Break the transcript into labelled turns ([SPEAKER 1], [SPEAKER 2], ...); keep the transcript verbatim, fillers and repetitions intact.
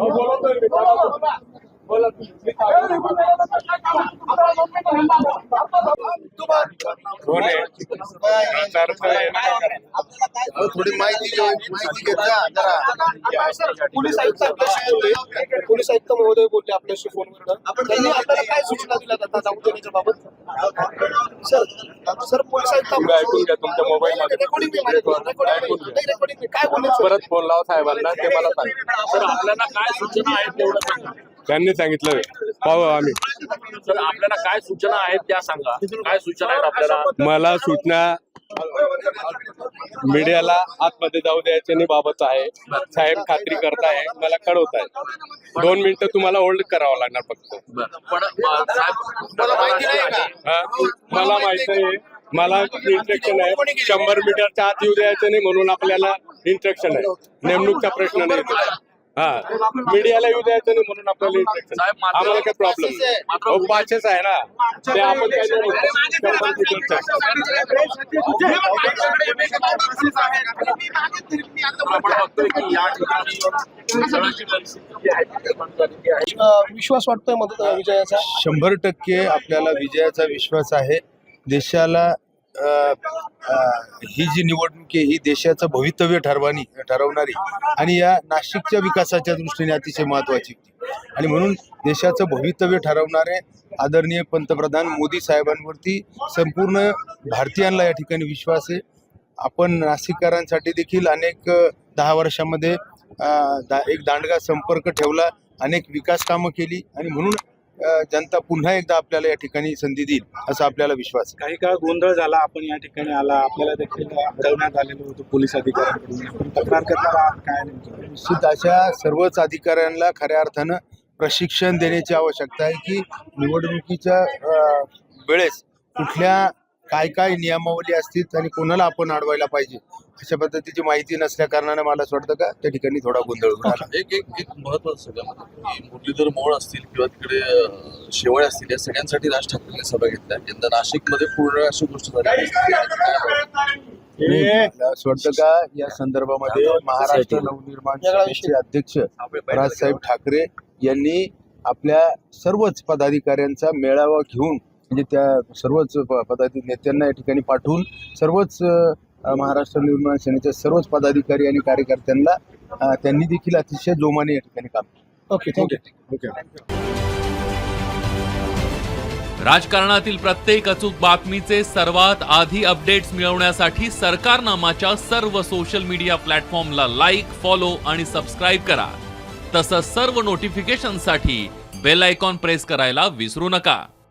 [SPEAKER 1] थोडी माहिती माहिती घेत जा जरा.
[SPEAKER 2] पोलीस आयुक्त आपल्याशी बोलले, पोलीस आयुक्त महोदय बोलले आपल्याशी फोनवर. त्यांनी आपल्याला काय सूचना दिल्या जातात जाऊ देण्याच्या बाबत? सर सर पोलीस आयुक्त
[SPEAKER 3] ऐकून घ्या तुमच्या मोबाईल मध्ये
[SPEAKER 2] रेकॉर्डिंग रेकॉर्डिंग काय बोलले?
[SPEAKER 3] परत फोन लावा साहेबांना, ते मला सांग.
[SPEAKER 4] सर आपल्याला काय सूचना आहेत तेवढं सांगा.
[SPEAKER 3] त्यांनी सांगितलं पाहू आम्ही.
[SPEAKER 4] सर आपल्याला काय सूचना आहेत त्या सांगा. काय सूचना आहेत आपल्याला?
[SPEAKER 3] मला सूचना मीडियाला आतमध्ये जाऊ द्यायच्या नाही बाबत आहे. साहेब खात्री करताय, मला कळवत आहे. दोन मिनिटं तुम्हाला होल्ड करावं लागणार फक्त.
[SPEAKER 4] पण
[SPEAKER 1] मला माहिती नाही का?
[SPEAKER 3] हा मला माहिती आहे, मला इंस्ट्रक्शन आहे. शंभर मीटरच्या आत येऊ द्यायचं नाही म्हणून आपल्याला इंस्ट्रक्शन आहे. नेमणूकचा प्रश्न नाही. हा मीडियाला येऊ द्यायचं नाही म्हणून आपल्याला इंस्ट्रक्शन. आम्हाला काय प्रॉब्लेम हो, पाचच आहे ना ते. आपण काय
[SPEAKER 2] विश्वास वाटतोय मदत विजयाचा?
[SPEAKER 1] शंभर टक्के आपल्याला विजयाचा विश्वास आहे. देशाला अ, अ, ही जी निवडणूक आहे ही देशाचं भवितव्य ठरवानी ठरवणारी आणि या नाशिकच्या विकासाच्या दृष्टीने अतिशय महत्त्वाची आणि म्हणून देशाचं भवितव्य ठरवणारे आदरणीय पंतप्रधान मोदी साहेबांवरती संपूर्ण भारतीयांना या ठिकाणी विश्वास आहे. आपण नाशिककरांसाठी देखील अनेक दहा वर्षामध्ये दा एक दांडगा संपर्क ठेवला, अनेक विकास कामं केली आणि म्हणून जनता पुन्हा एकदा आपल्याला या ठिकाणी संधी देईल असा आपल्याला विश्वास आहे.
[SPEAKER 5] काही काळ गोंधळ झाला, आपण या ठिकाणी आला, आपल्याला देखील अडवण्यात आलेलं होतं पोलीस अधिकाऱ्यांकडून. तक्रार करणार आहात काय?
[SPEAKER 1] निश्चित अशा सर्वच अधिकाऱ्यांना खऱ्या अर्थानं प्रशिक्षण देण्याची आवश्यकता आहे की निवडणुकीच्या वेळेस कुठल्या काय काय नियमावली असतील आणि कोणाला आपण अडवायला पाहिजे अशा पद्धतीची माहिती नसल्या कारणाने मला असं वाटतं का त्या ठिकाणी थोडा गोंधळ झाला.
[SPEAKER 6] एक एक एक महत्वाचं सगळ्यामध्ये की मुरलीधर मोहोळ असतील किंवा तिकडे शेवाळे असतील या सगळ्यांसाठी राज ठाकरेंनी सभा घेतल्या. यंदा नाशिकमध्ये पूर्ण अशी गोष्ट झाली.
[SPEAKER 1] असं वाटतं का या संदर्भामध्ये महाराष्ट्र नवनिर्माण सेनेचे अध्यक्ष राजसाहेब ठाकरे यांनी आपल्या सर्वच पदाधिकाऱ्यांचा मेळावा घेऊन म्हणजे त्या सर्वच पदाधिकारी नेत्यांना या ठिकाणी पाठवून सर्वच महाराष्ट्र निर्माण सेनेच्या सर्वच पदाधिकारी आणि कार्यकर्त्यांना त्यांनी देखील अतिशय जोमाने या ठिकाणी काम केलं.
[SPEAKER 2] Okay thank you.
[SPEAKER 1] ओके.
[SPEAKER 7] राजकारणातील प्रत्येक अचूक बातमीचे सर्वात आधी अपडेट्स मिळवण्यासाठी सरकारनामाच्या सर्व सोशल मीडिया प्लॅटफॉर्मला लाईक, फॉलो आणि सबस्क्राईब करा. तसंच सर्व नोटिफिकेशनसाठी बेल आयकॉन प्रेस करायला विसरू नका.